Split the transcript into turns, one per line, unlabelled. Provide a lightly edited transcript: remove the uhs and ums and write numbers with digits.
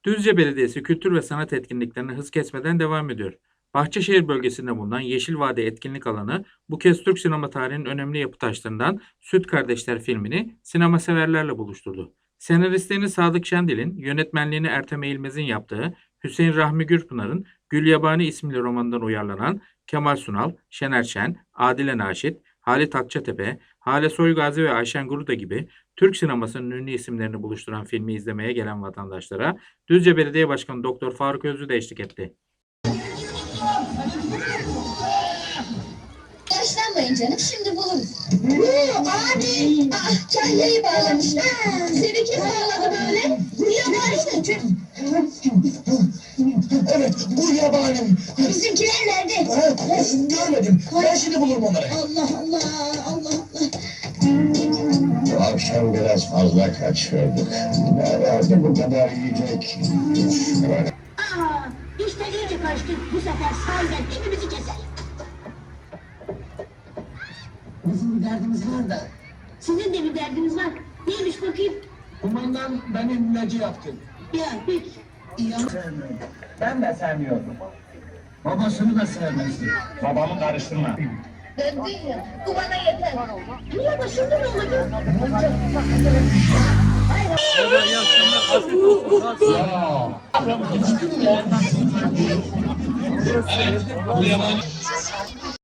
Düzce Belediyesi kültür ve sanat etkinliklerine hız kesmeden devam ediyor. Bahçeşehir bölgesinde bulunan Yeşil Vade etkinlik alanı bu kez Türk sinema tarihinin önemli yapı taşlarından Süt Kardeşler filmini sinema severlerle buluşturdu. Senaristliğini Sadık Şendil'in, yönetmenliğini Ertem Eğilmez'in yaptığı Hüseyin Rahmi Gürpınar'ın Gül Yabani isimli romanından uyarlanan Kemal Sunal, Şener Şen, Adile Naşit, Halit Akçatepe, Hale Soygazi ve Ayşen Guruda gibi Türk sinemasının ünlü isimlerini buluşturan filmi izlemeye gelen vatandaşlara Düzce Belediye Başkanı Doktor Faruk Özlü de eşlik etti.
Yaşlanmayın canım, şimdi buluruz. Abi! Kahyayı bağlamışlar. Seni kim bağladı böyle? Bu yabani mi?
Evet, bu yabani.
Bizimkiler nerede?
Görmedim. Ben şimdi bulurum onları.
Allah Allah, Allah Allah.
Bu akşam biraz fazla kaçırdık. Nerede bu kadar yiyecek? Şöyle.
İşte iyice kaçtık. Bu sefer sahiden hepimizi keser.
Bizim bir derdimiz var da.
Sizin de bir derdiniz var. Neymiş bakayım?
Kumandan beni ilacı yaptı.
Ya peki.
İyi ama sevmiyorum. Ben de sevmiyordum. Babasını da sevmezdi.
Babamı karıştırma.
Döndün ya. Bu bana yeter. Niye başımda ne olacak?
Ya.